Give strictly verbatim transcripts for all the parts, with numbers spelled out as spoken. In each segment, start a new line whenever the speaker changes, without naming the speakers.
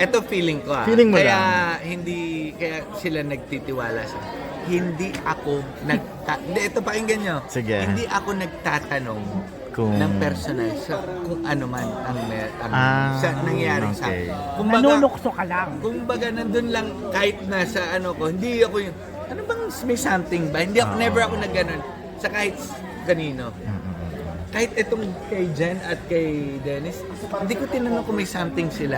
Ito feeling ko ah.
Feeling mo
kaya
lang.
hindi, kaya sila nagtitiwala sa hindi ako nagta... Hindi, ito pakinggan nyo.
Sige.
Hindi ako nagtatanong
Kung...
ng personal sa kung ano man ang, mer- ang
Ah,
sa nangyayari sa
okay.
akin. Kumbaga,
Nanunukso ka lang.
kumbaga nandun lang kahit nasa ano ko, hindi ako yung, ano bang may something ba? Hindi ako,
Ah.
never ako nagganon sa kahit kanino. Kahit itong kay Jen at kay Dennis, hindi ko tinanong kung may something sila.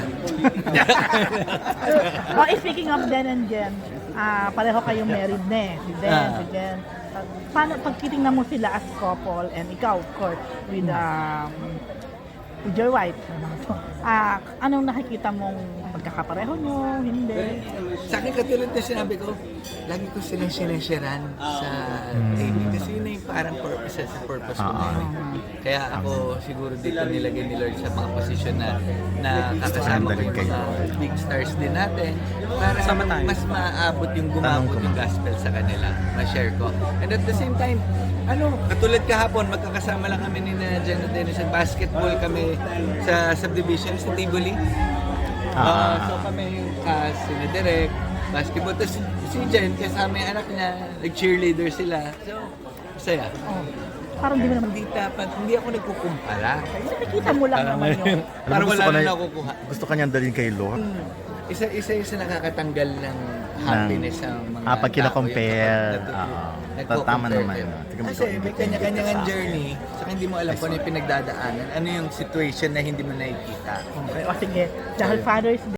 Oh, eh, speaking of Den and Jen, ah, pareho kayong married na eh. Si Den,
Ah.
si Jen. Ah, paano pag titingnan mo sila as couple and ikaw, of course, with, um, with your wife, ah, anong nakikita mong pagkakapareho nyo, hindi?
Sa akin katulad na sinabi ko, lagi ko silang sinasharan sa dating kasi yun na yung parang purpose sa purpose ko na yun. Kaya ako siguro dito nilagay ni Lord sa mga posisyon na, na kakasama ko yung mga big stars din natin para mas maaabot yung gumabot yung gospel sa kanila, ma-share ko. And at the same time, ano, katulad kahapon, magkakasama lang kami ni na Jen at Dennis sa basketball kami sa subdivision sa Tivoli. Uh, so kami yung cast, si Derek, basketball. Tapos si Jen, kasama yung anak niya, nag-cheerleader sila. So, masaya.
Oh, parang di mo naman
Hindi dapat, hindi ako nagkukumpara.
nakikita mo lang naman yun.
Parang
gusto
wala
ko
na
na-
nakukuha.
Gusto kanyang dalhin kay Lord.
Isa, isa yung sa nakakatanggal ng happiness sa mga
Ah, pag
tao,
kina-compare,
yung kapag
oo.
nagko-compare
Tama naman,
kayo.
no? Tingnan mo
Kasi
ito,
may
invite-
kanya-kanya
invite ka
ng
sa
journey, saka hindi mo alam kung ano yung pinagdadaanan, ano yung situation na hindi mo nakikita.
Okay, o sige, dahil Father's